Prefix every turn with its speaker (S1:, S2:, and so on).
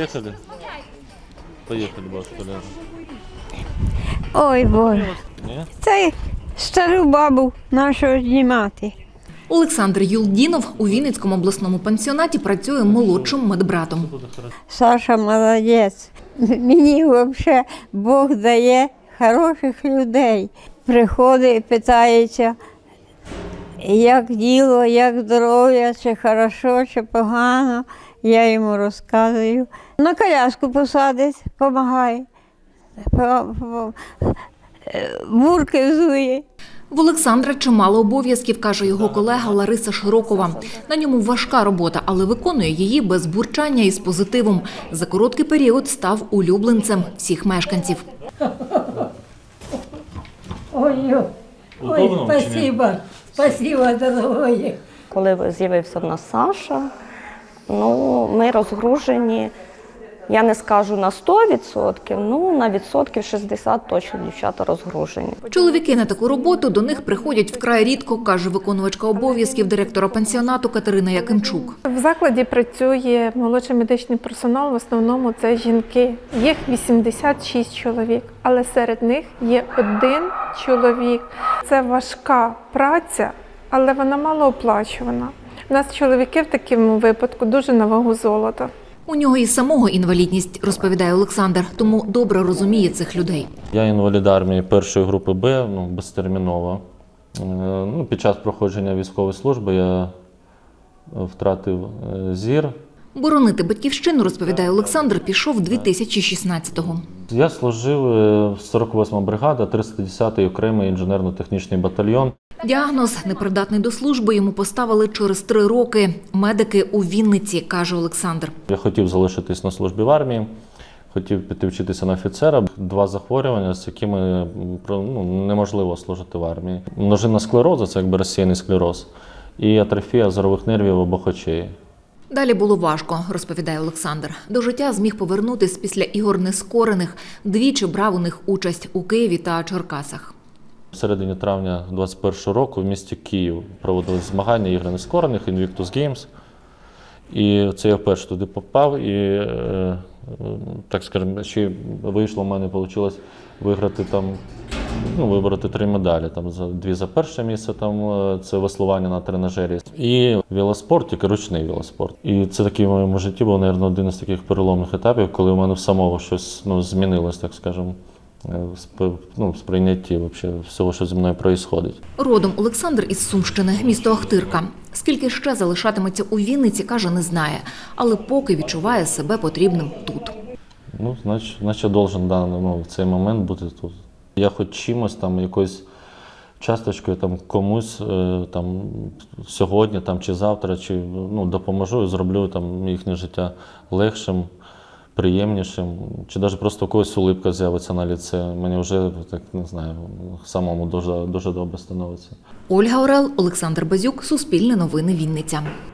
S1: Поехали? Поехали, бабушка Ляна.
S2: Ой, Боже,
S1: Ні?
S2: це стару бабу нашу знімати.
S3: Олександр Юлдінов у Вінницькому обласному пансіонаті працює молодшим медбратом.
S2: Саша молодець. Мені взагалі Бог дає хороших людей. Приходить і питається, як діло, як здоров'я, чи хорошо, чи погано. Я йому розказую. На коляску посадить, допомагає. Бурки взує.
S3: В Олександра чимало обов'язків, каже його колега Лариса Широкова. На ньому важка робота, але виконує її без бурчання і з позитивом. За короткий період став улюбленцем всіх мешканців.
S2: Ой, спасибо, дорогой.
S4: Коли з'явився в нас Саша, ми розгружені, я не скажу на 100%, на відсотків 60 точно дівчата розгружені.
S3: Чоловіки на таку роботу до них приходять вкрай рідко, каже виконувачка обов'язків директора пансіонату Катерина Якимчук.
S5: В закладі працює молодший медичний персонал, в основному це жінки. Їх 86 чоловік, але серед них є один чоловік. Це важка праця, але вона малооплачувана. У нас чоловіки в такому випадку дуже на вагу золота.
S3: У нього і самого інвалідність, розповідає Олександр, тому добре розуміє цих людей.
S1: Я інвалід армії першої групи Б, безтерміново. Під час проходження військової служби я втратив зір.
S3: Боронити батьківщину, розповідає Олександр, пішов 2016-го.
S1: Я служив в 48-ма бригада, 310-й окремий інженерно-технічний батальйон.
S3: Діагноз «непридатний до служби» йому поставили через 3 роки. Медики у Вінниці, каже Олександр.
S1: Я хотів залишитись на службі в армії, хотів піти вчитися на офіцера. 2 захворювання, з якими неможливо служити в армії. Множинна склероза – це якби розсіяний склероз, і атрофія зорових нервів обох очей.
S3: Далі було важко, розповідає Олександр. До життя зміг повернутись після ігор нескорених. Двічі брав у них участь у Києві та Черкасах.
S1: В середині травня 2021 року в місті Київ проводились змагання ігри нескорених Invictus Games. І це я вперше туди попав. І, так скажемо, ще вийшло, в мене вийшло виграти вибороти 3 медалі. 2 за перше місце, це веслування на тренажері. І велоспорт, тільки ручний велоспорт. І це такий в моєму житті був, мабуть, один із таких переломних етапів, коли у мене в самого щось змінилось, так скажемо, в сприйнятті всього, що зі мною відбувається.
S3: Родом Олександр із Сумщини, місто Ахтирка. Скільки ще залишатиметься у Вінниці, каже, не знає. Але поки відчуває себе потрібним тут.
S1: Значить, должен в цей момент бути тут. Я хоч чимось, якоюсь часточкою комусь сьогодні чи завтра, чи допоможу і зроблю їхнє життя легшим, приємнішим, чи навіть просто когось улипка з'явиться на лице. Мені вже, самому дуже добре становиться.
S3: Ольга Орел, Олександр Базюк, Суспільне новини, Вінниця.